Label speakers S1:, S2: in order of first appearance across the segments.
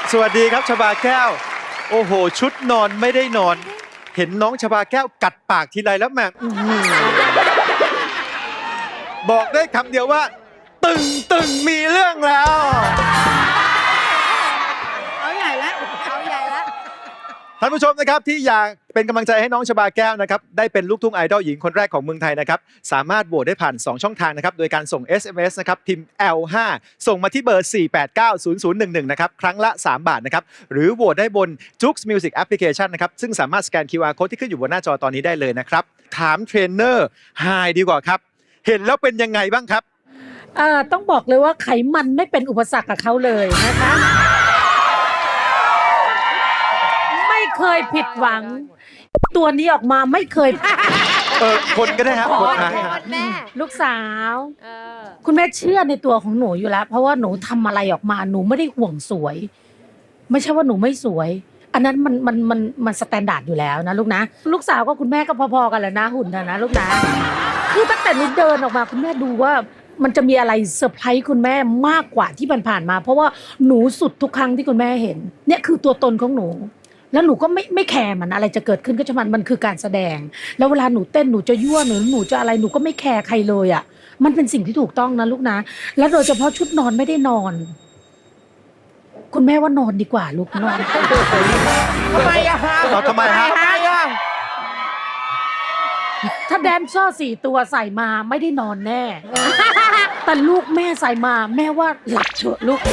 S1: สวัสดีครับชบาแก้วโอ้โหชุดนอนไม่ได้นอน เห็นน้องชบาแก้วกัดปากทีไรแล้วแม่บอกได้คำเดียวว่า ตึงมีเรื่องแล้ว
S2: เอาใหญ่แล้วเอาใหญ่แล้ว
S1: ท่านผู้ชมนะครับที่อยากเป็นกำลังใจให้น้องชบาแก้วนะครับได้เป็นลูกทุ่งไอดอลหญิงคนแรกของเมืองไทยนะครับสามารถโหวตได้ผ่าน 2 ช่องทางนะครับโดยการส่ง SMS นะครับพิมพ์ L5 ส่งมาที่เบอร์ 4890011 นะครับครั้งละ 3 บาทนะครับหรือโหวตได้บน Joox Music Application นะครับซึ่งสามารถสแกน QR Code ที่ขึ้นอยู่บนหน้าจอตอนนี้ได้เลยนะครับถามเทรนเนอร์ไฮดีกว่าครับเห็นแล้วเป็นยังไงบ้างครับ
S3: ต้องบอกเลยว่าไขมันไม่เป็นอุปสรรคกับเขาเลยนะคะ ไม่เคยผิดหวัง ตัวนี้ออกมาไม่เคย
S1: คนก็ได้ครับคน
S2: แม่
S3: ลูกสาว คุณแม่เชื่อในตัวของหนูอยู่แล้ว เพราะว่าหนูทำอะไรออกมาหนูไม่ได้ห่วงสวย ไม่ใช่ว่าหนูไม่สวย อันนั้นมันสแตนดาร์ดอยู่แล้วนะลูกนะลูกสาวก็คุณแม่ก็พอๆกันแหละนะหุ่นนะลูกนะคือตั้งแต่หนูเดินออกมาคุณแม่ดูว่ามันจะมีอะไรเซอร์ไพรส์คุณแม่มากกว่าที่ผ่านๆมา เพราะว่าหนูสุดทุกครั้งที่คุณแม่เห็นเนี่ยคือตัวตนของหนู แล้วหนูก็ไม่แคร์มันอะไรจะเกิดขึ้นก็ช่างมันคือการแสดง แล้วเวลาหนูเต้นหนูจะยั่วหนูจะอะไรหนูก็ไม่แคร์ใครเลยอ่ะมันเป็นสิ่งที่ถูกต้องนะลูกนะแล้วโดยเฉพาะชุดนอนไม่ได้นอน คุณแม่ว่านอนดีกว่าลูกนอน
S2: ทำไมอะฮะ
S1: ทำไมฮะ
S3: ถ้าแดนเซอร์4 ตัวใส่มาไม่ได้นอนแน่ แต่ลูกแม่ใส่มาแม่ว่าหลับเถอะลูก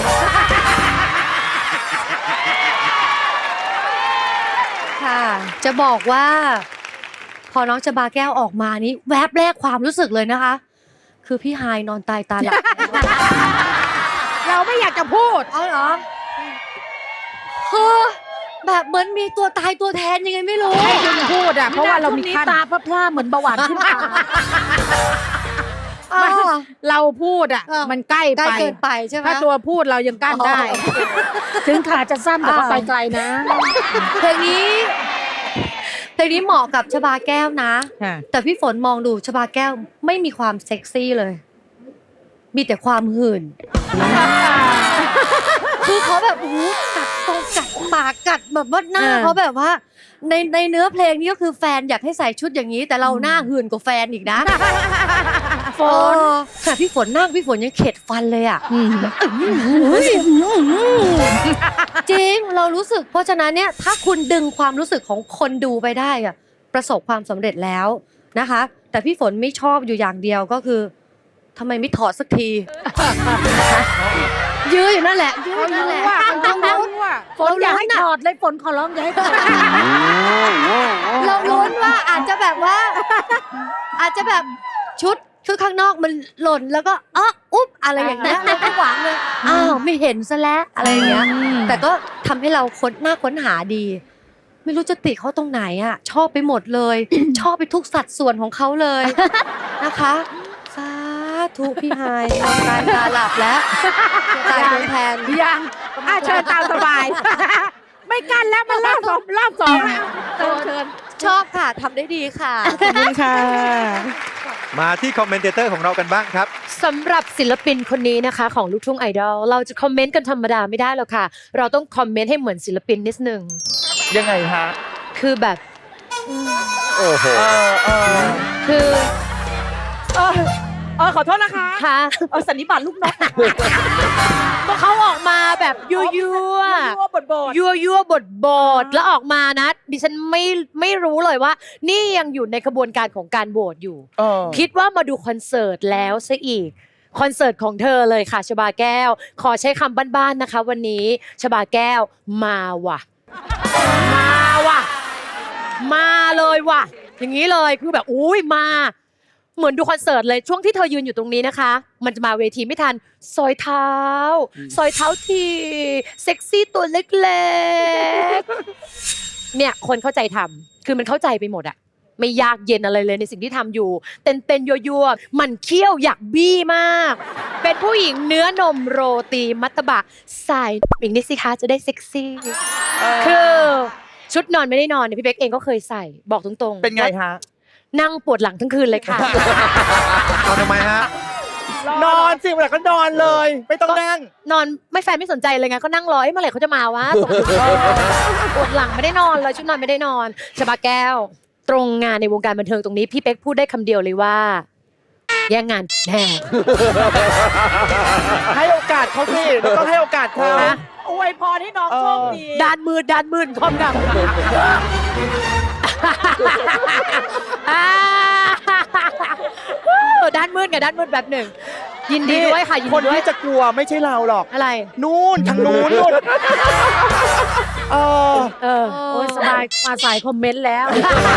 S2: ค่ะจะบอกว่าพอน้องชบาแก้วออกมานี้แวบแรกความรู้สึกเลยนะคะ คือพี่ไฮายนอนตายตาหลับ
S4: เราไม่อยากจะพูด
S2: เอาเหรอคือแบบเหมือนมีตัวตายตัวแทนยังไงไม่รู้
S4: ให้คุณพูดอ่ะเพราะว่าเรามี
S3: ช่วงนี้
S4: ขั้น
S3: ตาพร่าๆเหมือนเบาหวานขึ้นมา
S4: เราพูดอ่ะ
S2: เออ
S4: มันใกล้
S2: ใกล้
S4: ไป
S2: เกินไปใช่ไหม
S4: ถ้าตัวพูดเรายังกั้นได้
S3: ถึงขาจะสั้นแต่ก็ไปไกลนะ
S2: เพลงนี้เหมาะกับชบาแก้วนะ แต่พี่ฝนมองดูชบาแก้วไม่มีความเซ็กซี่เลย มีแต่ความหื่น คือเขาแบบโอ้โหกัดตรงกัดปากกัดแบบว่าหน้าเขาแบบว่า ในเนื้อเพลงนี้ก็คือแฟนอยากให้ใส่ชุดอย่างนี้ แต่เราหน้าหื่นกว่าแฟนอีกนะ
S3: ฝน
S2: แต่พี่ฝนนั่งพี่ฝนยังเข็ดฟันเลยอ่ะจริงเรารู้สึกเพราะฉะนั้นเนี่ยถ้าคุณดึงความรู้สึกของคนดูไปได้อะประสบความสำเร็จแล้วนะคะ แต่พี่ฝนไม่ชอบอยู่อย่างเดียวก็คือทำไมไม่ถอดสักที ยื้ออยู่นั่นแหละยื้ออยู่นั่นแหละ
S4: ต้องรู้ว่า
S3: ฝนอย่าให้ถอดเลยฝนขอร้องอย่าให้ถอด
S2: เราลุ้นว่าอาจจะแบบว่า อาจจะแบบชุดคือข้างนอกมันหล่นแล้วก็อุ๊บอะไรอย่างเงี้ยเราก็หวังเลยอ้าวไม่เห็นซะแล้วอะไรอย่างเงี้ยแต่ก็ทำให้เราค้นหาดี ไม่รู้จะติเขาตรงไหนอ่ะชอบไปหมดเลย ชอบไปทุกสัดส่วนของเขาเลยนะคะสาธุพี่ไฮายตายตาหลับแล้วตายตัวแทน
S4: ยังเชิญตามสบาย ไม่กั้นแล้วมันรอบสองแล้วเชิญ
S2: ชอบค่ะทำได้ดีค่ะ
S4: ขอบคุณค่ะ
S1: มาที่คอมเมนเตอร์ของเรากันบ้างครับ
S5: สำหรับศิลปินคนนี้นะคะของลูกทุ่งไอดอลเราจะคอมเมนต์กันธรรมดาไม่ได้หรอกค่ะ เราต้องคอมเมนต์ให้เหมือนศิลปินนิดนึง
S6: ยังไงฮะ
S5: คือแบบ
S1: โอ้โห
S5: คือ
S4: ขอโทษนะคะ
S5: ค่ะ
S4: สันนิบาตลูกนก
S5: ก็เขาออกมาแบบยั่วยั่ว
S4: บท
S5: ยั่วยั่วบทแล้วออกมานะดิฉันไม่รู้เลยว่า นี่ยังอยู่ในกระบวนการของการโหวตอยู่ คิดว่ามาดูคอนเสิร์ตแล้วซะอีกคอนเสิร์ตของเธอเลยค่ะชบาแก้ว ขอใช้คำบ้านๆนะคะ วันนี้ชบาแก้วมาว่ะ มาเลยว่ะ อย่างนี้เลยคือแบบอุ้ยมา เหมือนดูคอนเสิร์ตเลยช่วงที่เธอยืนอยู่ตรงนี้นะคะ มันจะมาเวทีไม่ทันซอยเท้าทีเซ็กซี่ตัวเล็กๆเนี่ยคนเข้าใจทำคือมันเข้าใจไปหมดอะไม่ยากเย็นอะไรเลยในสิ่งที่ทำอยู่เต้นยั่วๆมันเคี้ยวอยากบี้มาก เป็นผู้หญิงเนื้อนมโรตีมัตตบะใส่อีกนิดสิคะจะได้เซ็กซี่คือชุดนอนไม่ได้นอนเนี่ยพี่เบ๊กเองก็เคยใส่บอกตรงๆ
S6: เป็นไงฮะ
S5: นั่งปวดหลังทั้งคืนเลยค่ะ
S1: เอาทำไมฮะ
S6: นอนสิเวลาก็นอนเลย ไม่ต้องนั่ง
S5: นอนไม่แฟนไม่สนใจเลยไงก็นั่งรอเมื่อไหร่เขาจะมาวะปวดหลังไม่ได้นอนเลยชุดนอนไม่ได้นอนชบาแก้ว ตรงงานในวงการบันเทิงตรงนี้พี่เป๊กพูดได้คำเดียวเลยว่าแย่งงานแน่
S6: ให้โอกาสเขาสิเราต้องให้โอกาสเขา
S4: อวยพรให้น้องโชคดี
S5: ด้านมืดความดำด้านมืดกับด้านมืดแบบหนึ่งยินดีด้วยค่ะยิน
S6: ค
S5: ดี
S6: น
S5: ด้วย
S6: ที่จะกลัวไม่ใช่เราหรอก
S5: อะไร
S6: นู่นทางนู้นนู่นเออ
S3: โอ้ยสบายมาสายคอมเมนต์แล้ว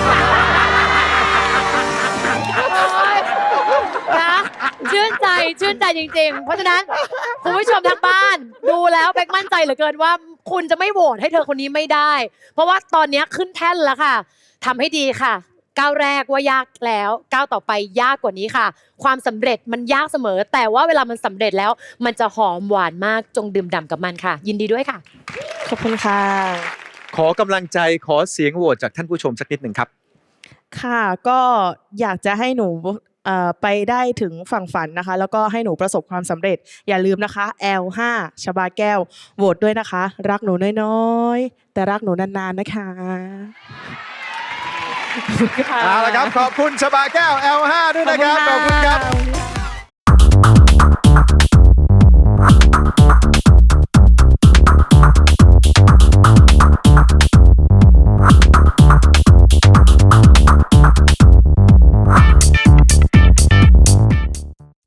S5: นะชื่นใจจริงๆ เพราะฉะนั้นคุณผู้ชมทางบ้านดูแล้วเป๊กมั่นใจเหลือเกินว่าคุณจะไม่โหวตให้เธอคนนี้ไม่ได้ เพราะว่าตอนนี้ขึ้นแท่นแล้วค่ะทำให้ดีค่ะก้าวแรกว่ายากแล้วก้าวต่อไปยากกว่านี้ค่ะ ความสำเร็จมันยากเสมอ แต่ว่าเวลามันสำเร็จแล้วมันจะหอมหวานมากจงดื่มด่ำกับมันค่ะ ยินดีด้วยค่ะ
S4: ขอบคุณค่ะ
S1: ขอกำลังใจขอเสียงโหวตจากท่านผู้ชมสักนิดหนึ่งครับ
S7: ค่ะก็อยากจะให้หนูไปได้ถึงฝั่งฝันนะคะ แล้วก็ให้หนูประสบความสำเร็จ อย่าลืมนะคะ L5 ชบาแก้วโหวตด้วยนะคะ รักหนูน้อยๆ แต่รักหนูนานๆนะคะ
S1: เอาละครับ ขอบคุณชบาแก้ว L5 ด้วยนะครับ ขอบคุณครับ